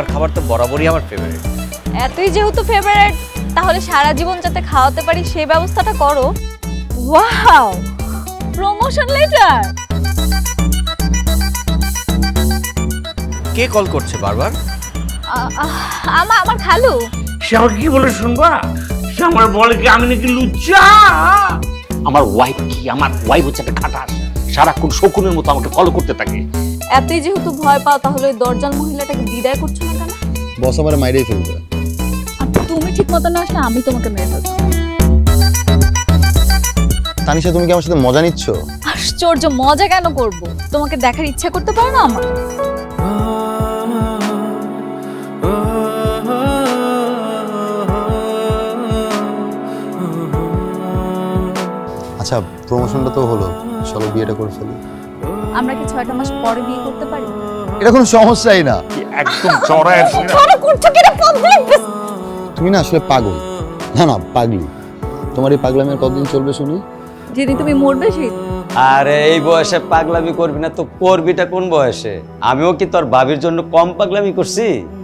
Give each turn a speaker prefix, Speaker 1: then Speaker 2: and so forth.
Speaker 1: তোমার খাবার তো বরাবরই আমার ফেভারিট।
Speaker 2: এতই যেহেতু ফেভারিট, তাহলে সারা জীবন যাতে খাওয়াতে পারি সেই ব্যবস্থাটা করো। Wow, promotion letter.
Speaker 1: কে কল করছে বারবার?
Speaker 2: আমার খালু।
Speaker 3: সে আমাকে কি বলে শুনবা? সে আমার বলে কি আমি নাকি লুচ্চা। আমার ওয়াইফ হচ্ছে একটা খাটাস, সারাক্ষণ শকুনের মতো আমাকে ফলো করতে থাকে।
Speaker 2: এতই যেহেতু ভয় পাও, তাহলে ওই দরজাল মহিলাটাকে বিদায় করছো না কেন?
Speaker 4: বস আমার মাইরেই ফেলবে।
Speaker 2: আর তুমি ঠিক মতো না আসলে আমি তোমাকে মেরে ফেলবো।
Speaker 4: তানিশা, তুমি কি আমার সাথে মজা নিচ্ছ?
Speaker 2: আশ্চর্য, মজা কেন করব? তোমাকে দেখার ইচ্ছা করতে পারো না আমার?
Speaker 4: আচ্ছা, প্রমোশনটা তো হলো, চলো বিয়েটা করে ফেলি।
Speaker 2: আমরা কি 6টা মাস পরে বিয়ে করতে পারি?
Speaker 4: এটা কোনো সমস্যাই না।
Speaker 3: একদম চড়ায়
Speaker 2: ধরো করছো কি এটা পাবলিক?
Speaker 4: তুমি না আসলে পাগল। না পাগলি। তোমার এই পাগলামি আর কতদিন চলবে শুনি?
Speaker 2: যেদিন তুমি মরবে সেই।
Speaker 5: আরে এই বয়সে পাগলামি করবি না তো করবিটা কোন বয়সে? আমিও কি তোর ভাবির জন্য কম পাগলামি করছি?